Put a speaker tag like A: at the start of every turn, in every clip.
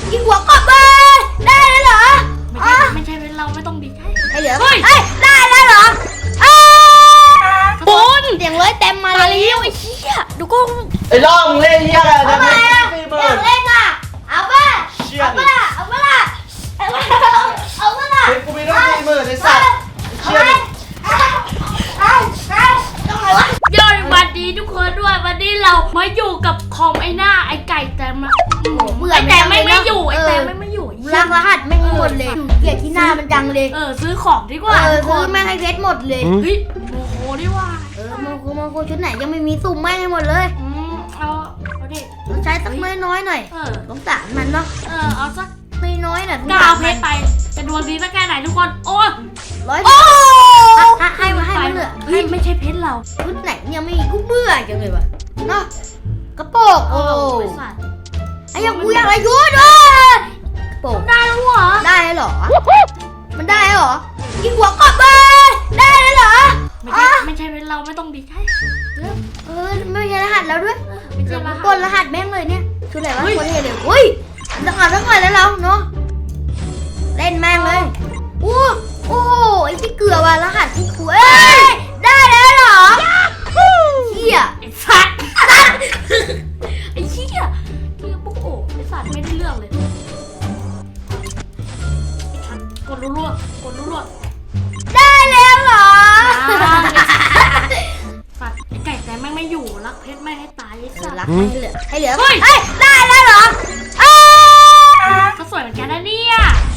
A: ยิงหัวกบเลยได้แล้วเหรอ
B: ไม่ใช่เป็นเราไม่ต้องดีใจ
A: ไอ้เหลือได้แล้วเหรอ
B: บุญ
A: เสียงเลยเต็มมาเลย
B: ไอ้เหี้ยดูก็
C: ไอ้ล่องเล่นเหี้ยอะไรนะ
A: อยากเล่นอ่ะเอาป่ะ
C: เป็นกูมีต้อง40,000ในสัตว์เชี่ย
B: ยอดวันดีทุกคนด้วยวันนี้เรามาอยู่กับคอมไอ้หน้าไอ้ไก่แต่มาไอ้แต่ไม่อยู่ไอ้แต่ไม่อยู่
A: รักรหัสไม่หมดเลยเกลียดที่หน้ามันจังเลย
B: ซื้อของดีกว่า
A: ซื้อแม่งให้เพชรหมดเลย
B: เฮ้ยโมโหดีว่า
A: โมโหชุดไหนยังไม่มีสุ่มแม่งให้หมดเลย
B: เอาดิ
A: ใช้สักน้อยหน่อยสงสารมันเนาะ
B: เอาสัก
A: น้อยหน่อย
B: ก้าวเพชรไปจะดวงดีสักแค่ไหนทุกคนโอ้
A: 100ให้มันเหลือ
B: ไม่ใช่เพชรเรา
A: ชุดไหนยังไม่มีกูเบื่อจังเลยวะเนาะกระโปงไอ้ยังกูอยากอะไรยุ่งด้วยกระโปง
B: ได้แล้วเหรอ
A: ได้เหรอมันได้เหรอยิงหัวกบเลยได้แล้วเหรอ
B: ไม่ใช่เป็นเราไม่ต้องดีใจ
A: ไม่ใช่รหัสแล้วด้วยกดรหัสแม่งเลยเนี่ยชุดไหนวะคนเท่เลยอุ้ยต้องอ่านทั้งวันแล้วเราเนาะเล่นแม่งเลยโอ้ไอ้ที่เกลือว่ะรหัสที่คุยได้แล้วเหรอเหี้ย
B: ไอ้สัตว์ไอ้เหี้ยปุ๊กโอ้ไอ้สัตว์ไม่ได้เรื่องเลยกดรัว
A: ได้แล้วเหรอ
B: สัตว์ไอ้ไก่แต่ไม่อยู่รักเพชรไม่ให้ตายไอ้สัตว์
A: รักให้เหลือได้แล้วเหรอ
B: ก็สวยเหมือนกันนะเนี่ย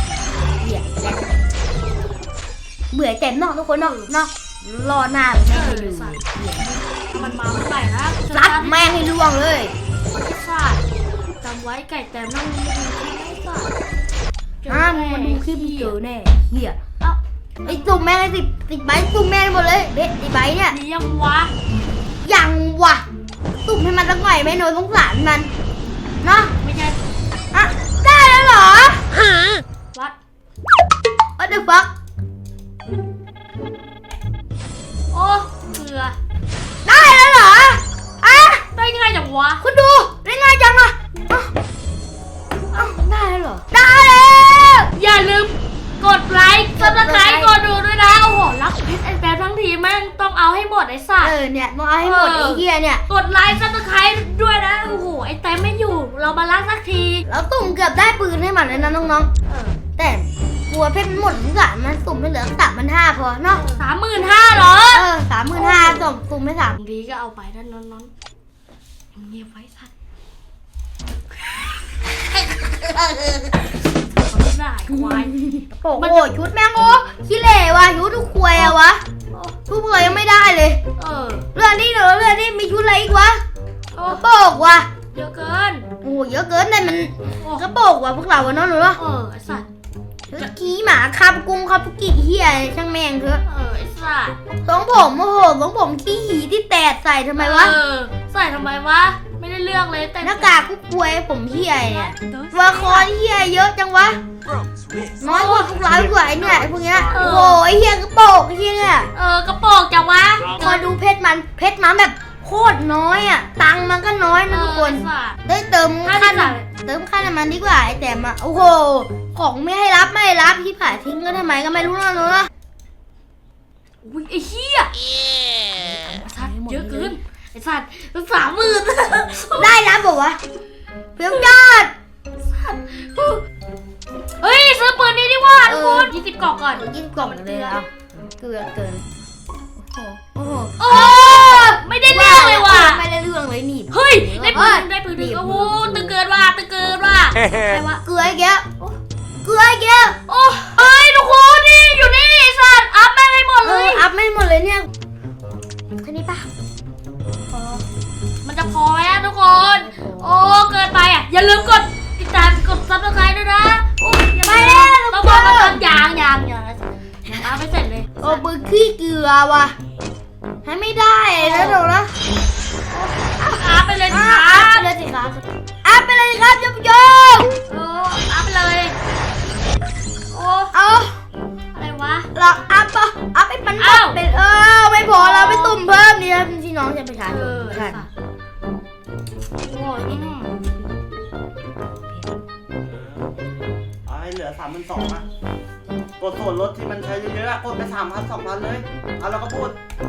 A: เบื่อเต็มนอกทุกคนนอกรอหน้าแม่ให้ดู
B: มันมาเมื่อไหร่นะ
A: รักแม่ให้ล่วงเลย
B: สัตว์จำไว้ไก่แต่นั่งดูคลิป
A: มันดูคลิปเจอแน่เหี้ยไอ้ตุ่มแม่ให้10ใบตุ่มแม่หมดเลยเบ็ด10ใบเนี่ย
B: ยังวะ
A: ตุ่มให้มันสักหน่อยไม่โน้ตสงสารมันเนาะ
B: ไม่ใช่
A: ได้แล้วเหรอ
B: วัด
A: What the fuck
B: โอ้เกลือ
A: ได้แล้วเหรอ
B: ได้ง่ายจังวะ
A: คุณดูได้ง่ายจังอ่ะได้แล้วเหรอได้แล้ว
B: อย่าลืมกดไลค์ซับสไครต์กดดูด้วยนะโอ้โหรักเพชรไอ้แป๊บทั้งทีแม่งต้องเอาให้หมดไอ้สัตว์
A: เนี่ยต้องเอาให้หมดไอ้เหี้ยเนี่ย
B: กดไลค์ซับสไครต์ด้วยนะโอ้โหไอ้แต่ไม่อยู่เรามาล้างสักที
A: แล้วตุ่มเกือบได้ปืนให้มันเลยนะน้องๆแต่กลัวเพชรหมดสงสารมันสุ่มไม่เหลือ3,500พอเนาะ
B: 35,000เหรอ
A: 35,000ส่งสุ่มไม่3
B: ดีก็เอาไปนั่นนอนเงียบไว้สัตว์ได้ควาย
A: โอ้โหชุดแม่งโอ้ขี้เหร่ว่ะชุดทุกควยอะวะทุกควยยังไม่ได้เลยเรื่องนี้มีชุดอะไรอีกวะกระโปงว่ะ
B: เยอะเกิน
A: โอ้เยอะเกินแต่มันกระโปงว่ะพวกเราเนาะหรือวะ
B: ไอ้สัตว์
A: ขี้หมาคาบกุ้งคาบกี่เหี้ยช่างแม่งเถอะ
B: ไอ้สัตว์
A: สองผมขี้หีที่แตกใส่ทำไมวะ
B: ใส่ทำไมวะไม่ได้เลือกเลยแต่
A: หน้ากากกุ๊กควยผมเหี้ยเนี่ยตัวคอเหี้ยเยอะจังวะน้อยกว่าพวกเรากว่าไอ้เนี่ยพวกเนี้ยโอ้ยเหี้ยกระโปงเหี้ยเนี่ย
B: กระโปงจังวะ
A: พอดูเพชรมันแบบโคตรน้อยอ่ะตังมันก็น้อยนะทุกคนได้เติมค่าน้ำมันดีกว่าไอ้แต่มาโอ้โหของไม่ให้รับที่ผ่าทิ้งก็ทำไมก็ไม่รู้นะ
B: อุ้ยไอ้เหี้ยสัตว์เยอะเกินไอ้สัตว์30,000
A: ได้แล้วบอกว่าเพียงยอด
B: เฮ้ยซื้อปืนนี้ดีกว่าทุกคน20 กล่องก่อน
A: 20 กล่องเลยอ่ะเกิน
B: โอ้ไม่ได้เรื่องเลยว่ะ
A: ไม่ได้เรื่องเลยนี่
B: เฮ้ยได้ปืนโอ้โหตึงเกินว่ะ
A: ใครวะเกลือไอ้แก้ว
B: โอ้เฮ้ยทุกคนนี่อยู่นี่สัตว์อัพแม่งให้หมดเลย
A: อัพไม่หมดเลยเนี่ยแค่นี้ปะ
B: มันจะพอไหมทุกคนโอ้เกินไปอ่ะอย่าลืมกดติดตามกดซับสไครต์ด้วยนะโอ้
A: ยไม่ได้
B: ต้องบอกมาตอนยางเอาไปเสร็จเลย
A: โอ้ปืนขี้เกลือว่ะให้ไม่ได้แล้วหนูนะ
B: อัพไปเลยสิครับ
A: อัพไปเลยสิครับยม
B: อัพไปเลยโอ้อะไรวะ
A: เราอัพไปมันเป็นไม่พอเราไปตุ่มเพิ่มนี่นะพี่น้องจะไปทาน
B: โอ้ย
C: เอาให้เหลือ32,000อ่ะกดส่วนลดที่มันใช้เยอะๆอะกดไป3,000 2,000เลยเอาแล้วก็พูด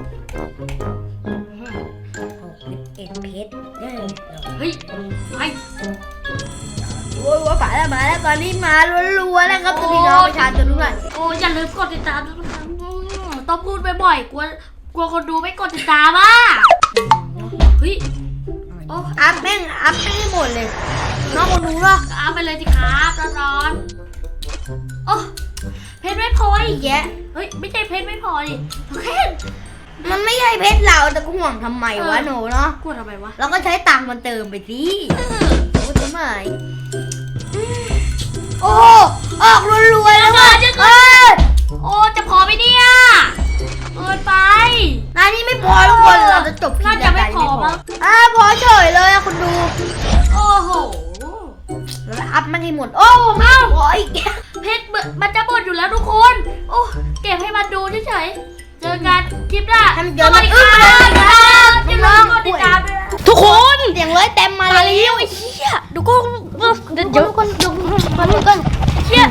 A: 61เพชรได้
B: เฮ้ยไป
A: โอ้ยว่ามาแล้วตอนนี้มารัวๆแล้วครับพี่น้องประชาชนทุกท่าน
B: โอ้อย่าลืมกดติดตามด้วยนะครับต้องพูดบ่อยๆกลัวคนดูไม่กดติดตามอ่ะเฮ้ย โอ้
A: อัพแม่งให้หมดเลยน้องคนดูเนาะ
B: เอาไปเลยสิครับร้อนๆโอ้เพชรไม่พออีกแยะเฮ้ยไม่ใช่เพชรไม่พอดิโอเค
A: มันไม่ใช่เพชรเราแต่ก็ห่วงทำไมวะหนูเนาะ
B: กลัวทำไมวะ
A: เราก็ใช้ตังค์มันเติมไปสิโอ้ทำไมโอ้ออกรัวๆแล้วว่ะ
B: โอ้จะพอไหมเนี่ยเกินไป
A: นายนี่ไม่พอทุกคนเราจะจบคลิป
B: น่าจะไม่พอมั้ง
A: พอเฉยเลยอะคุณดู
B: โอ้โห
A: แล้วอัพมันให้หมดโอ้ไม่พออีก
B: เพชรมันจะหมดอยู่แล้วทุกคนโอ้เก็บให้มันดูเฉยๆเจอกันคลิปหน้า
A: ทำเดี๋ยว
B: สวัสดีครับอย่าลืมกดติดตามด้วยนะทุกคน
A: เสียงร้อยเต็มมาเลย
B: ไอ้เหี้ยดูก็เดี๋ยว
A: ทุกคนดูก่อน
B: เหี้ย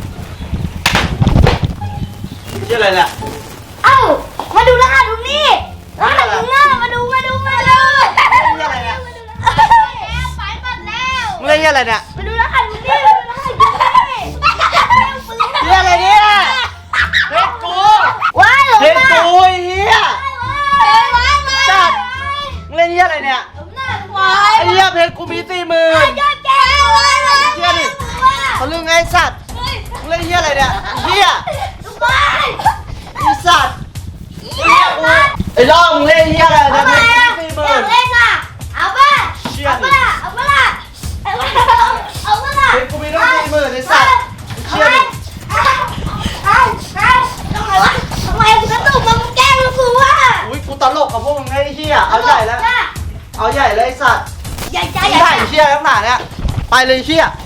C: ชื่ออะไรเนี่ย
A: เอ้ามาดูรหัสตรงนี้รหัสตรงหน้ามาดู
C: ชื่ออะไรเนี่ย
A: ไปหมดแล้ว
C: มึงเล่นชื่ออะไรเนี่ย
A: มาดูรหัสตรงนี้มาดูรหัสตรงนี้
C: ชื่ออะไรเนี่ยเพชรกู
A: ว้ายหลง
C: เพชร
A: มา
C: กูไอ้เหี้ยจัดมึงเล่นชื่ออะไรเนี่ยไอ้เหี้ยเพชรกูมี40,000เหี้ยดิเขาลืมไงไอ้สัตว์มึงเล่นชื่ออะไรเนี่ยไอ้เหี้ยไอ้สัตว์ไอ้ล่องมึงเล่นชื่ออะไรเนี่ยเพชรกูมี40,000
A: เอาป่ะ
C: เชี่ย
A: เอา
C: ดิ
A: ป่ะเอาป่ะเอาป่ะ
C: เพชรกูมีต้อง40,000ไอ้สัตว์เชี่ยดิ
A: ทำไมมึงกระตุกมามึงแกล้งกูวะ
C: อุ้ยกูตลกกับพวกมึงไอ้เหี้ยเอาใหญ่แล้วเอาใหญ่เลยไอ้สัตว์
A: ใหญ่ใจ
C: ไอ้
A: ใหญ่
C: เหี้ยเชี่ยทั้งหนาเนี่ยไปเลยเชี่ย